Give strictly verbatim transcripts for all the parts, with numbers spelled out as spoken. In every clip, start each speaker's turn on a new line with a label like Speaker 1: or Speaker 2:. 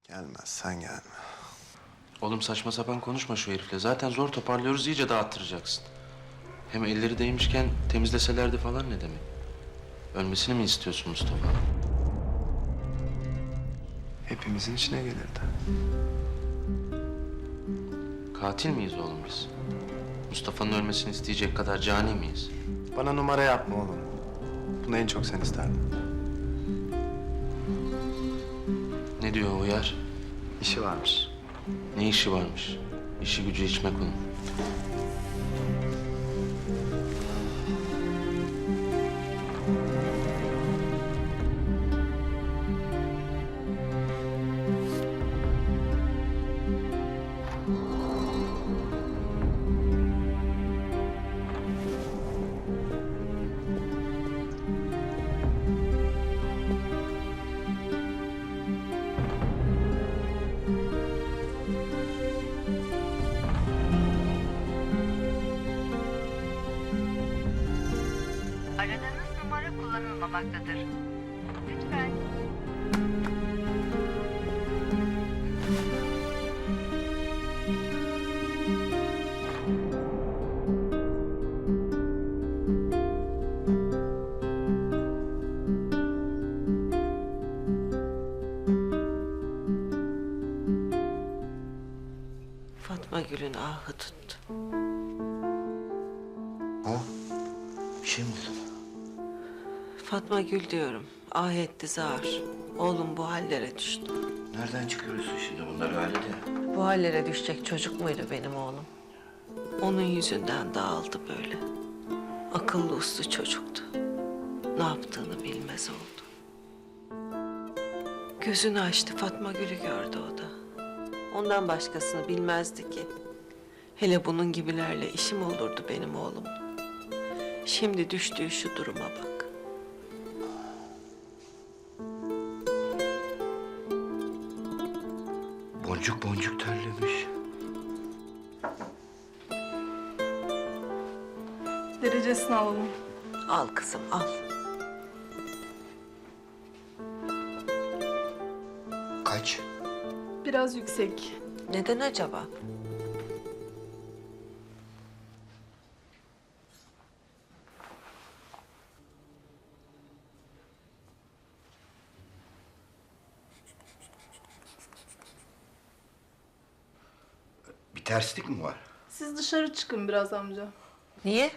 Speaker 1: Gelmez, sen gelme.
Speaker 2: Oğlum saçma sapan konuşma şu herifle. Zaten zor toparlıyoruz, iyice dağıttıracaksın. Hem elleri değmişken temizleselerdi falan ne demek? Ölmesini mi istiyorsun Mustafa?
Speaker 1: Hepimizin içine gelirdi.
Speaker 2: Katil miyiz oğlum biz? Mustafa'nın ölmesini isteyecek kadar cani miyiz?
Speaker 1: Bana numara yapma oğlum. Bunu en çok sen isterdin.
Speaker 2: Ne diyor Uyar?
Speaker 1: İşi varmış.
Speaker 2: Ne işi varmış? İşi gücü içmek onun.
Speaker 3: Aradığınız numara kullanılmamaktadır. Lütfen.
Speaker 4: Fatma Gül'ün ahı tuttu.
Speaker 2: Ha? Bir şey mi oldu?
Speaker 4: Fatma Gül diyorum. Ah etti zar. Oğlum bu hallere düştü.
Speaker 2: Nereden çıkıyorsun şimdi bunları Halide?
Speaker 4: Bu hallere düşecek çocuk muydu benim oğlum? Onun yüzünden dağıldı böyle. Akıllı uslu çocuktu. Ne yaptığını bilmez oldu. Gözünü açtı, Fatma Gül'ü gördü o da. Ondan başkasını bilmezdi ki. Hele bunun gibilerle işim olurdu benim oğlum. Şimdi düştüğü şu duruma bak.
Speaker 2: Boncuk boncuk terlemiş.
Speaker 5: Derecesini alalım.
Speaker 4: Al kızım al.
Speaker 2: Kaç?
Speaker 5: Biraz yüksek.
Speaker 4: Neden acaba?
Speaker 6: Bir terslik mi var?
Speaker 5: Siz dışarı çıkın biraz amca.
Speaker 4: Niye?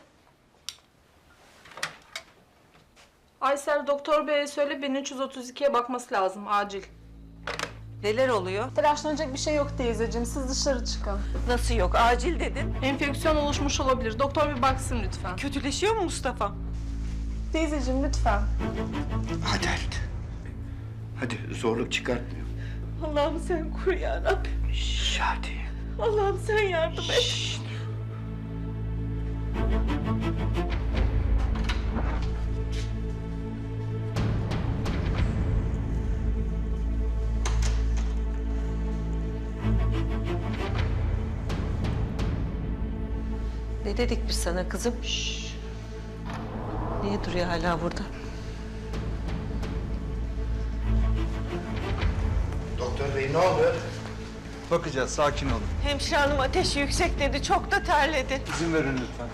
Speaker 5: Aysel doktor beye söyle bin üç yüz otuz ikiye bakması lazım acil.
Speaker 4: Neler oluyor?
Speaker 5: Telaşlanacak bir şey yok teyzeciğim. Siz dışarı çıkın.
Speaker 4: Nasıl yok? Acil dedin.
Speaker 5: Enfeksiyon oluşmuş olabilir. Doktor bir baksın lütfen.
Speaker 4: Kötüleşiyor mu Mustafa?
Speaker 5: Teyzeciğim lütfen.
Speaker 6: Hadi Halit. Hadi zorluk çıkartmıyor.
Speaker 4: Allah'ım sen koru ya Rabbim.
Speaker 6: Şş, hadi.
Speaker 4: Allah'ım sen yardım et.
Speaker 6: Şşt.
Speaker 4: Ne dedik biz sana kızım? Şşş. Niye duruyor hala burada?
Speaker 6: Doktor bey ne oluyor?
Speaker 7: Bakacağız, sakin olun.
Speaker 4: Hemşire hanım ateşi yüksek dedi, çok da terledi.
Speaker 7: İzin verin lütfen.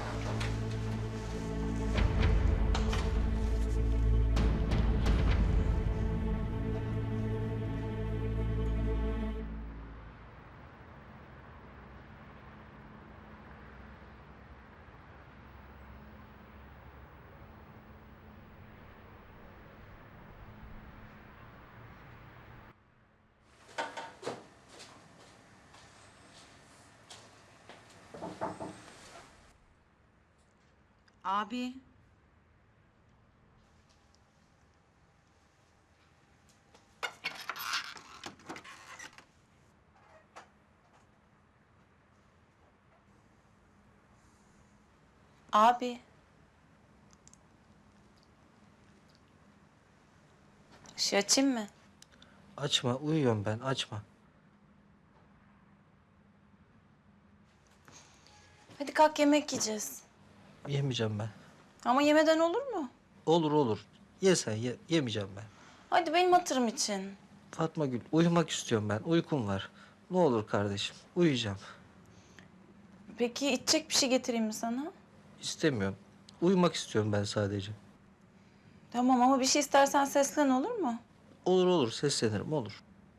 Speaker 8: Abi. Abi. Işığı açayım mı?
Speaker 9: Açma, uyuyorum ben, açma.
Speaker 8: Hadi kalk yemek yiyeceğiz.
Speaker 9: Yemeyeceğim ben.
Speaker 8: Ama yemeden olur mu?
Speaker 9: Olur olur. Ye sen, ye, yemeyeceğim ben.
Speaker 8: Hadi benim hatırım için.
Speaker 9: Fatma Gül, uyumak istiyorum ben. Uykum var. Ne olur kardeşim, uyuyacağım.
Speaker 8: Peki içecek bir şey getireyim mi sana?
Speaker 9: İstemiyorum. Uyumak istiyorum ben sadece.
Speaker 8: Tamam ama bir şey istersen seslen olur mu?
Speaker 9: Olur olur, seslenirim, olur.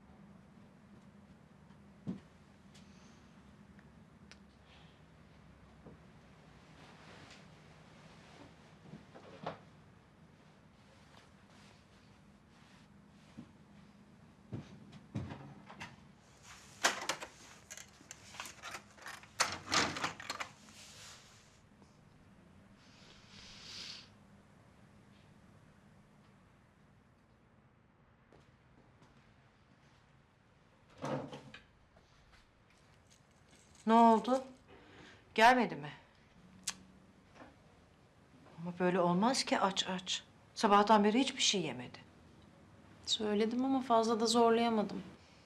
Speaker 10: Ne oldu? Gelmedi mi? Cık. Ama böyle olmaz ki aç aç. Sabahtan beri hiçbir şey yemedi.
Speaker 8: Söyledim ama fazla da zorlayamadım.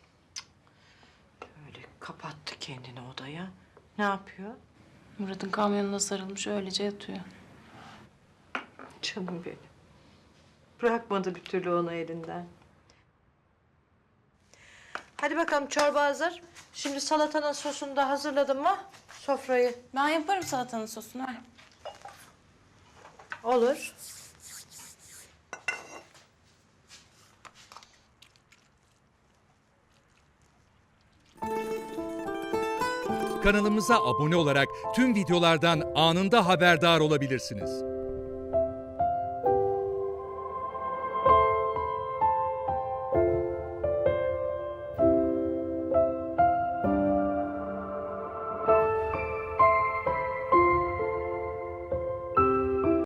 Speaker 10: Öyle kapattı kendini odaya. Ne yapıyor?
Speaker 8: Murat'ın kamyonuna sarılmış öylece yatıyor.
Speaker 10: Canım benim. Bırakmadı bir türlü onu elinden. Hadi bakalım çorba hazır. Şimdi salatanın sosunu da hazırladın mı? Sofrayı.
Speaker 8: Ben yaparım salatanın sosunu ver.
Speaker 10: Olur.
Speaker 11: Kanalımıza abone olarak tüm videolardan anında haberdar olabilirsiniz.